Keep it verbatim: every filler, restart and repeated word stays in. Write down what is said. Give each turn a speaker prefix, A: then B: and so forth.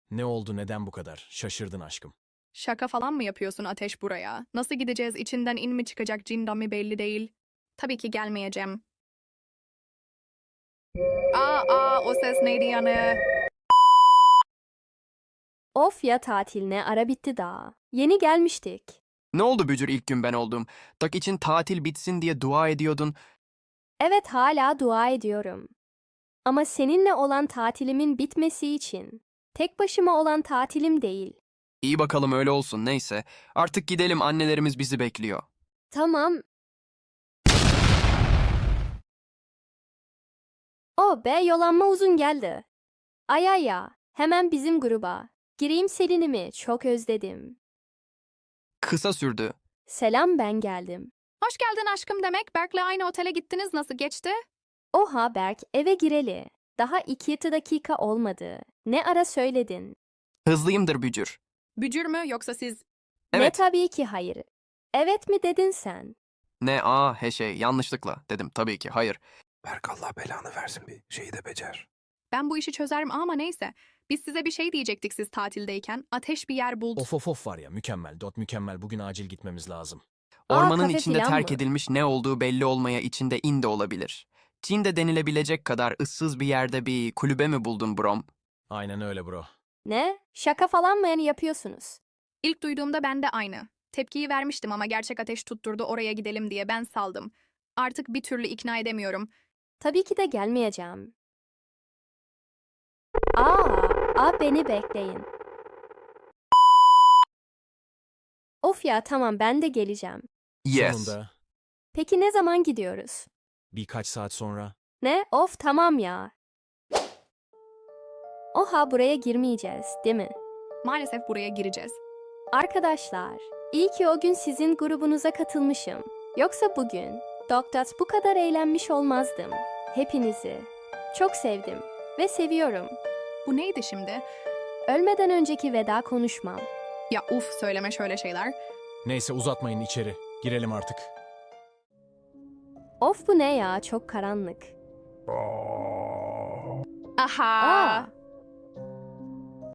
A: Ne oldu, neden bu kadar? Şaşırdın aşkım.
B: Şaka falan mı yapıyorsun Ateş buraya? Nasıl gideceğiz? İçinden in mi çıkacak, cindan mi belli değil. Tabii ki gelmeyeceğim. Aa, aa, o ses neydi yani?
C: Of ya tatiline ara bitti daha. Yeni gelmiştik.
D: Ne oldu Bücür ilk gün ben oldum? Tak için tatil bitsin diye dua ediyordun.
C: Evet hala dua ediyorum. Ama seninle olan tatilimin bitmesi için. Tek başıma olan tatilim değil.
D: İyi bakalım öyle olsun neyse. Artık gidelim annelerimiz bizi bekliyor.
C: Tamam. O be yolanma uzun geldi. Ay ay ya hemen bizim gruba. Gireyim Selin'imi çok özledim.
D: Kısa sürdü.
C: Selam ben geldim.
B: Hoş geldin aşkım demek. Berk'le aynı otele gittiniz. Nasıl geçti?
C: Oha Berk eve gireli. Daha iki dakika olmadı. Ne ara söyledin?
D: Hızlıyımdır Bücür.
B: Bücür mü yoksa siz?
C: Ne
D: Evet.
C: tabii ki hayır. Evet mi dedin sen?
D: Ne aa he şey yanlışlıkla dedim tabii ki hayır.
E: Berk Allah belanı versin bir şeyi de becer.
B: Ben bu işi çözerim ama neyse. Biz size bir şey diyecektik siz tatildeyken. Ateş bir yer buldu.
A: Of of of var ya, mükemmel. Dot mükemmel. Bugün acil gitmemiz lazım.
C: Aa,
D: Ormanın
C: kafe
D: içinde
C: filan
D: terk
C: mı?
D: edilmiş ne olduğu belli olmaya içinde in de olabilir. Çin de denilebilecek kadar ıssız bir yerde bir kulübe mi buldun Brom?
A: Aynen öyle bro.
C: Ne? Şaka falan mı yani yapıyorsunuz?
B: İlk duyduğumda ben de aynı. Tepkiyi vermiştim ama gerçek Ateş tutturdu oraya gidelim diye ben saldım. Artık bir türlü ikna edemiyorum.
C: Tabii ki de gelmeyeceğim. Aa, aa beni bekleyin. Of ya tamam ben de geleceğim.
D: Yes.
A: Sonunda
C: Peki ne zaman gidiyoruz?
A: birkaç saat sonra.
C: Ne? Of tamam ya. Oha buraya girmeyeceğiz, değil mi?
B: Maalesef buraya gireceğiz.
C: Arkadaşlar, iyi ki o gün sizin grubunuza katılmışım. Yoksa bugün Doktat bu kadar eğlenmiş olmazdım. Hepinizi çok sevdim ve seviyorum.
B: Bu neydi şimdi?
C: Ölmeden önceki veda konuşmam.
B: Ya uf söyleme şöyle şeyler.
A: Neyse uzatmayın, içeri. Girelim artık.
C: Of bu ne ya çok karanlık.
B: Aha.
C: Aa,